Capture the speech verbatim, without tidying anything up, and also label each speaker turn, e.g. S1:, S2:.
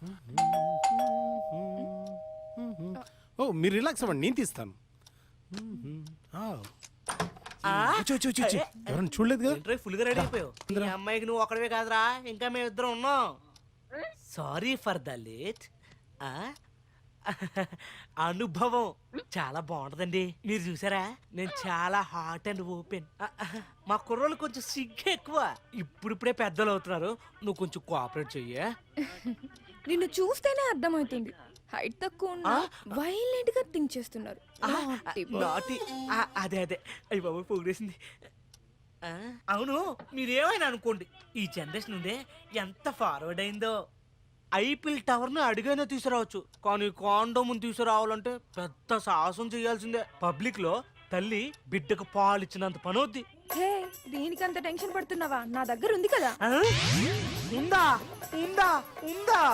S1: ఓ మీరు రిలాక్స్ అవ్వండి, నేను తీస్తాను. ఎవరైనా చూడలేదు కదా?
S2: ఫుల్ గా రెడీ అయిపోయావు. ఈ అమ్మాయికి నువ్వు ఒకడవే కాదురా, ఇంకా మేము ఇద్దరం ఉన్నాం. Sorry for the late. అనుభవం చాలా బాగుంటదండి. మీరు చూసారా, నేను చాలా హాట్ అండ్ ఓపెన్. మా కుర్రోళ్ళు కొంచెం సిగ్గు ఎక్కువ. ఇప్పుడిప్పుడే పెద్దలు అవుతున్నారు. నువ్వు కొంచెం కోఆపరేట్ చెయ్యా.
S3: నిన్ను చూస్తేనే అర్థమవుతుంది, హైట్ తక్కువ ఉన్నా వైలెంట్ గా థింక్ చేస్తున్నారు.
S2: నాటి అదే అదే అయ్యి బాబు పొగిడేసింది. అవును, మీరేమైనా అనుకోండి, ఈ జనరేషన్ ఉందే ఎంత ఫార్వర్డ్ అయిందో. ఐపిల్ టవర్ ను అడిగైనా తీసుకురావచ్చు, కానీ కాండోమ్ తీసుకురావాలంటే పెద్ద సాహసం చేయాల్సిందే. పబ్లిక్ లో తల్లి బిడ్డకు పాలు ఇచ్చినంత పనవుద్ది.
S3: హే, దీనికంత టెన్షన్ పడుతున్నావా? నా దగ్గర ఉంది కదా.
S2: ఉందా ఉందా ఉందా